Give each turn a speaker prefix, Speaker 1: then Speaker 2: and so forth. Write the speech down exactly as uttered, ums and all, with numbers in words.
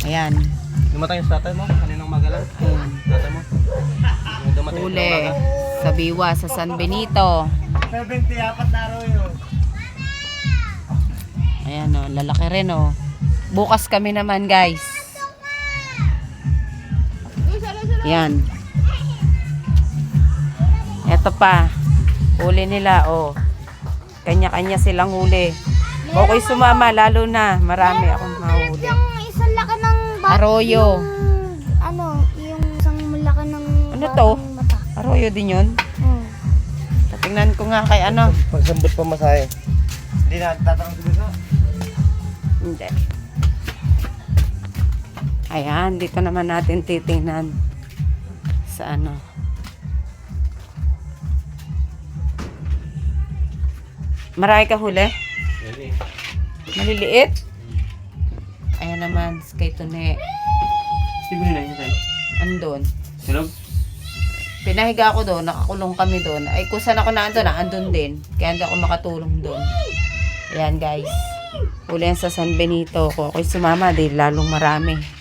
Speaker 1: Ayan.
Speaker 2: Dumatay yung tatay mo, kaninang magalan.
Speaker 1: Ayan.
Speaker 2: Tatay mo. Yung dumatay yung
Speaker 1: Huli.
Speaker 2: umaga.
Speaker 1: Sa Biwa, sa San Benito.
Speaker 3: seventy-apat na araw yun.
Speaker 1: Ayan o, lalaki rin o. Bukas kami naman guys. Ayan. Eto pa. Huli nila o. Kanya-kanya silang huli. Okay sumama, lalo na. Marami akong mahuli.
Speaker 4: Yung isang laki ng bat-
Speaker 1: Arroyo.
Speaker 4: Yung, ano, yung isang malaki ng
Speaker 1: Ano to?
Speaker 4: batang mata.
Speaker 1: Arroyo din yun.
Speaker 4: Hmm.
Speaker 1: Tingnan ko nga kay ano.
Speaker 2: Pagsambot pa masahe. Hindi na tatanong siguro.
Speaker 1: Hindi. Ayan, dito naman natin titingnan sa ano. Marami ka huli? Maliliit? Ayan naman, kay Tune.
Speaker 2: Siguro na yun tayo.
Speaker 1: Andun.
Speaker 2: Silog?
Speaker 1: Pinahiga ako doon, nakakulong kami doon. Ay, kung saan ako naandun, ah, andun din. Kaya hindi ako makatulong doon. Ayan guys. Huli yan sa San Benito. Kung ako'y sumama, di lalong marami.